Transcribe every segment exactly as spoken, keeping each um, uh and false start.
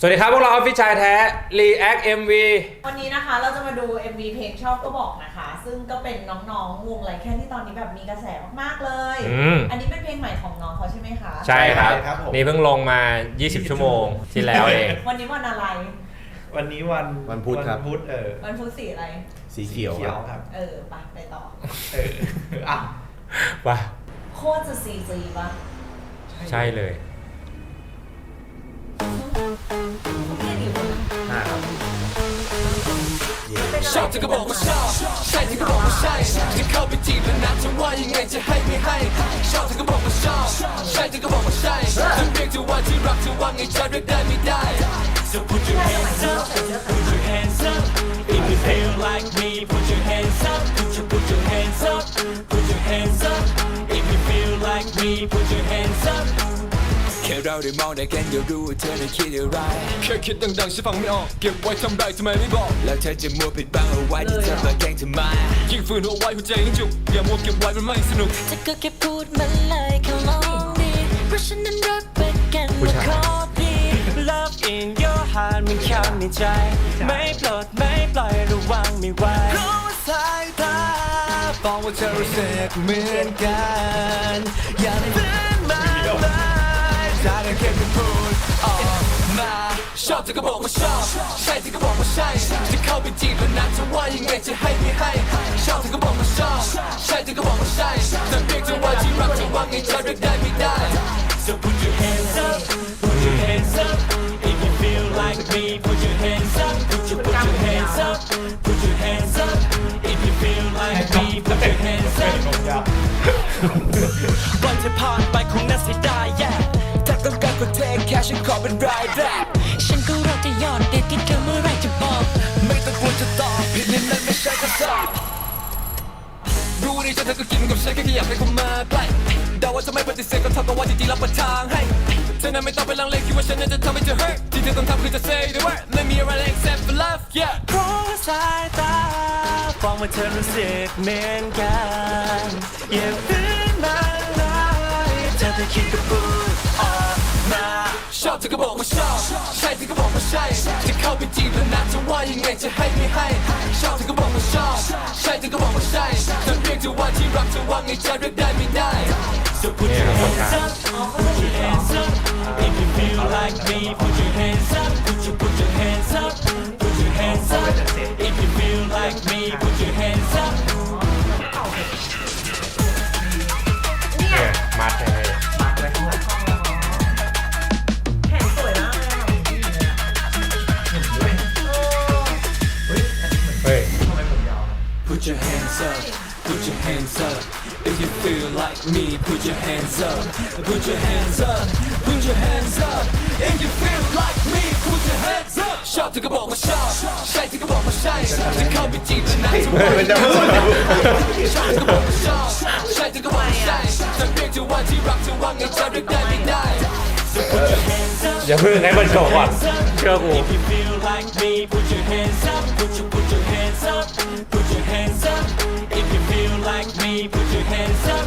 สวัสดีครับพวกเราออฟฟิศชายแท้ React เอ็ม วีวันนี้นะคะเราจะมาดู เอ็ม วี เพลงชอบก็บอกนะคะซึ่งก็เป็นน้องๆวงไรแค่ที่ตอนนี้แบบมีกระแสมากๆเลยอืมอันนี้เป็นเพลงใหม่ของน้องเขาใช่ไหมคะใช่ครับใช่ครับผมนี่เพิ่งลงมา ยี่สิบ ชั่วโมงที่แล้วเองวันนี้วันอะไรวันนี้วันวันพุธครับวันพุธเออวันพุธสีอะไรสีเขียวครับครับเออไปไปต่อเอออ่ะว่าโคตรจะซีจีปะใช่เลยเขาเรียกอยู่นะห้าครับเป็นอะไรชอบเธอก็บอกว่าชอบใช่เธอก็บอกว่าใช่จะเข้าไปจีบแล้วนะจะว่ายังไงจะให้ไม่ให้ชอบเธอก็บอกว่าชอบใช่เธอก็บอกว่าใช่จะเรียกเธอว่าที่รักเธอว่าไงจะเรียกได้ไม่ได้ So put your hands up put your hands up if you feel like me put your hands up put your put your hands up put your hands up if you feel like me put your hands upแค่เราได้มองได้กันเดี๋ยวรู้ว่าเธอได้คิดอะไรแค่คิดดังๆฉันฟังไม่ออกเก็บไว้ทำไรทำไมไม่บอกแล้วเธอจะมัวปิดบังเอาไว้ที่เธอมาแกล้งทำไมยิ่งฝืนเอาไว้หัวใจยิ่งจุกอย่ามัวเก็บไว้มันไม่สนุกเธอก็แค่พูดมาเลยแค่ลองดีเพราะฉันนั้นรักไปกันผู้มาชายขอดี Love in your heart มันเข้าในใจไม่ปลดไม่ปล่อยระวังไม่ไหวเพราะว่าสายตาบอกว่าเธอรู้สึกเหมือนกันอย่าฝืนมาเลยถ้าได้แค่พูดออกมาชอบเธอก็บอกว่าชอบใช่เธอก็บอกว่าใช่จะเข้าไปจีบแล้วนะจะว่ายังไงจะให้ไม่ให้ชอบเธอก็บอกว่าชอบใช่เธอก็บอกว่าใช่จะเรียกเธอว่าที่รักจะว่าไงจะเรียกได้ไม่ได้ So put your hands up put your hands up if you feel like me put your hands up put your put your hands up put your hands up if you feel like me put your hands up วันที่ผ่านไปคงน่าเสียดายแย่ถ้าต้องการก็เทคแค่ฉันขอเป็นรายแรกฉันก็รอจะยอดเด็ดที่เธอเมื่อไรจะบอกไม่ต้องกลัวจะตอบผิดนี่นั่นไม่ใช่คำตอบรู้ดีจะเธอก็กินกับฉันแค่อยากให้เข้ามาใกล้เดาว่าจะไม่ปฏิเสธก็เท่ากับว่าจริงๆรับประทางให้เธอนั้นไม่ต้องไปลังเลคิดว่าฉันนั้นจะทำให้เธอ hurt ที่เธอต้องทำคือจะ say the word ไม่มีอะไรเลย except for love yeah เพราะว่าสายตาฟังว่าเธอรู้สึกเหมือนกันอย่าฝืนมาเลยเธอจะคิดกับพูดออกมาชอบเธอก็บอกว่าชอบใช่เธอก็บอกว่าใช่จะเข้าไปจีบแล้วนะจะว่ายังไงจะให้ไม่ให้ชอบเธอก็บอกว่าชอบใช่เธอก็บอกว่าใช่จะเรียกเธอว่าที่รักเธอว่าไงจะเรียกได้ไม่ได้ So put your hands up put your hands up if you feel like me put your hands up put your put your hands up put your hands up if you feel like me put your hands up เนี่ยมัดเลยแขนสวยมากเลยอะเฮ้ย Put your hands up, put your hands up. If you feel like me, put your hands up, put your hands up, put your hands up. If you feel like me, put your hands up. ชอบเธอก็บอกว่าชอบใช่เธอก็บอกว่าใช่จะเข้าไปจีบแล้วนะจะว่ายังไงชอบเธอก็บอกว่าชอบใช่เธอก็บอกว่าใช่จะเรียกเธอว่าที่รักเธอว่าไงจะเรียกได้ไม่ได้ So put your hands up. อย่าเพิ่งให้มันจบก่อนเชื่อกู If you feel like me, put your hands up, put your put your hands up, put your hands up. If you feel like me, put your hands up.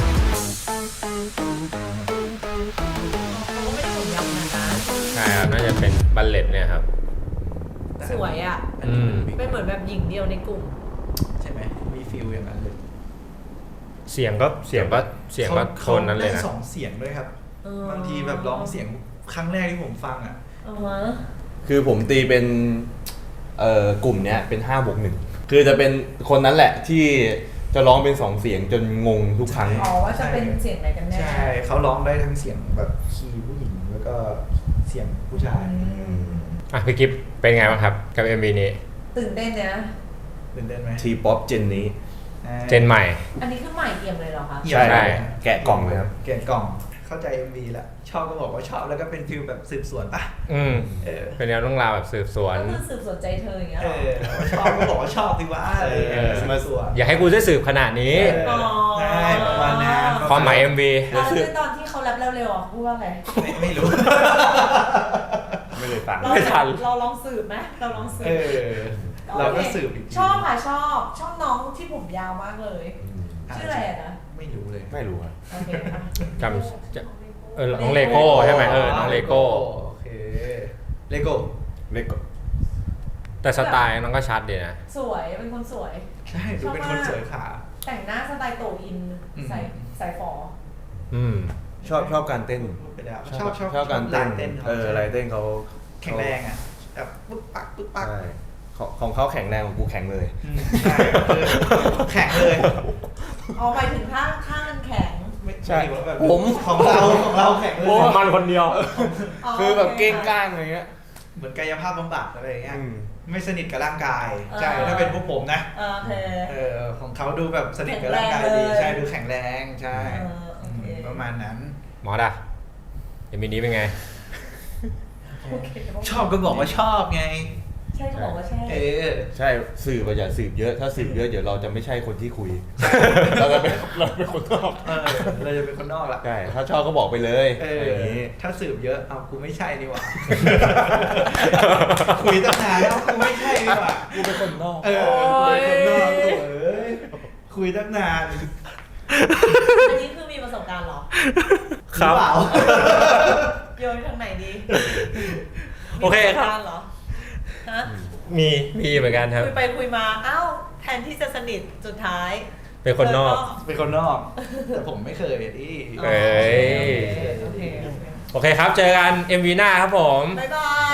เขาก็ไม่ได้ผมยาวขนาดนั้นใช่ครับ น่าจะเป็นบัลเลตเนี่ยครับสวยอ่ะอืมเป็นเหมือนแบบหญิงเดียวในกลุ่มใช่ไหมมีฟิลอย่างนั้นเลยเสียงก็เสียงก็เสียงก็โทนนั้นเลยขานะได้สองเสียงด้วยครับเออบางทีแบบร้องเสียงครั้งแรกที่ผมฟังอ่ะเอาวะคือผมตีเป็นเอ่อกลุ่มเนี้ยเป็นห้าบวกหนึ่งคือจะเป็นคนนั้นแหละที่จะร้องเป็นสองเสียงจนงงทุกครั้งอ๋อว่าจะเป็นเสียงไหนกันแน่ใช่เขาร้องได้ทั้งเสียงแบบคีย์ผู้หญิงแล้วก็เสียงผู้ชายอ่ะพี่กิฟเป็นไงบ้างครับ กับ เอ็ม วี นี้ตื่นเต้นเนี่ยตื่นเต้นไหมทีป๊อปเจนนี้อ่าเจนใหม่อันนี้คือใหม่เอี่ยมเลยเหรอคะเอี่ยมใช่แกะกล่องเลยครับแกะกล่องเข้าใจ เอ็ม วี แล้วชอบก็บอกว่าชอบแล้วก็เป็นฟิลแบบสืบสวนป่ะอืมเออเป็นแนวเรื่องราวแบบสืบสวนก็คือสืบสวนใจเธออย่างเงี้ยเอเหรออชอบก็บอกว่าชอบสิวะอะไรอย่างเงี้ยเออสืบสวนอย่าให้กูช่วยสืบขนาดนี้เออใช่ประมาณนั้นความหมาย เอ็ม วีแล้วในตอนที่เขาแรปเร็วๆอ่ะพูดว่าไงไม่ไม่รู้ไม่เลยฟังเราไม่ทันเราลองสืบไหมเราลองสืบเออ เราก็สืบอีกทีชอบค่ะชอบชอบน้องที่ผมยาวมากเลย ชื่ออะไรอะนะไม่รู้เลยไม่รู้ครับโอเคค่ะจำจะเออน้องเลโก้ใช่ไหมเออ น้องเลโก้โอเคเลโก้เล็กกว่าแต่สไตล์น้องก็ชัดดีนะสวยเป็นคนสวยใช่ดูเป็นคนสวยขาแต่งหน้าสไตล์โตอินอืมใส่ใส่ฟออืมชอบชอบการเต้นไปแล้วชอบชอบชอบการลาเต้นยเต้นเขาเออลายเต้นเขาแข็งแรงอ่ะแบบปึ๊กปักปึ๊กปักใช่ของของเขาแข็งแรงของกูแข็งเลยอืมใช่คือแข็งเลยเอาไปถึงข้างข้างมันแข็งไม่ใช่ไม่ว่าแบบผมของเราของเราแข็งเลยของมันคนเดียวคือแบบเก้งโอคก้างอะไรเงี้ยเหมือนกายภาพบำบัดอะไรอย่างเงี้ยอืมไม่สนิทกับร่างกายเออใช่ถ้าเป็นพวกผมนะเออโอเคเออของเขาดูแบบสนิทกับร่างกายดีแข็งแรงเลยใช่ดูแข็งแรงใช่เออโอเคมประมาณนั้นหมอดะเอ็มวีนี้เป็นไงโอเคชอบก็บอกว่าชอบไงใช่ก็บอกว่าใช่เออใช่สืบอะอย่าสืบเยอะ ถ้าสืบเยอะเดี๋ยวเราจะไม่ใช่คนที่คุย เราจะเป็นเราเป็นคนนอกเออเราจะเป็นคนนอกละใช่ถ้าชอบก็บอกไปเลยเอออะไรอย่างนี้ถ้าสืบเยอะเอากูไม่ใช่นี่หว่า คุยตั้งนานแล้วกูไม่ใช่นี่หว่ากูเป็นคนนอกเออกูเป็นคนนอกตัวเอ้ยคุยตั้งนานอันนี้คือมีประสบการณ์เหรอครับหอเปล่าโยนทางไหนดีโอเคครับมีประสกาณ์เหรอฮะมีมีเหมือนกันครับคุยไปคุยมาอ้าวแทนที่จะสนิทสุดท้ายเป็นคนนอกเป็นคนนอก แต่ผมไม่เคยดิเอ้ยโอเคโอเคโอเคโอเคครับ เจอกัน เอ็ม วี หน้าครับผมบ๊ายบาย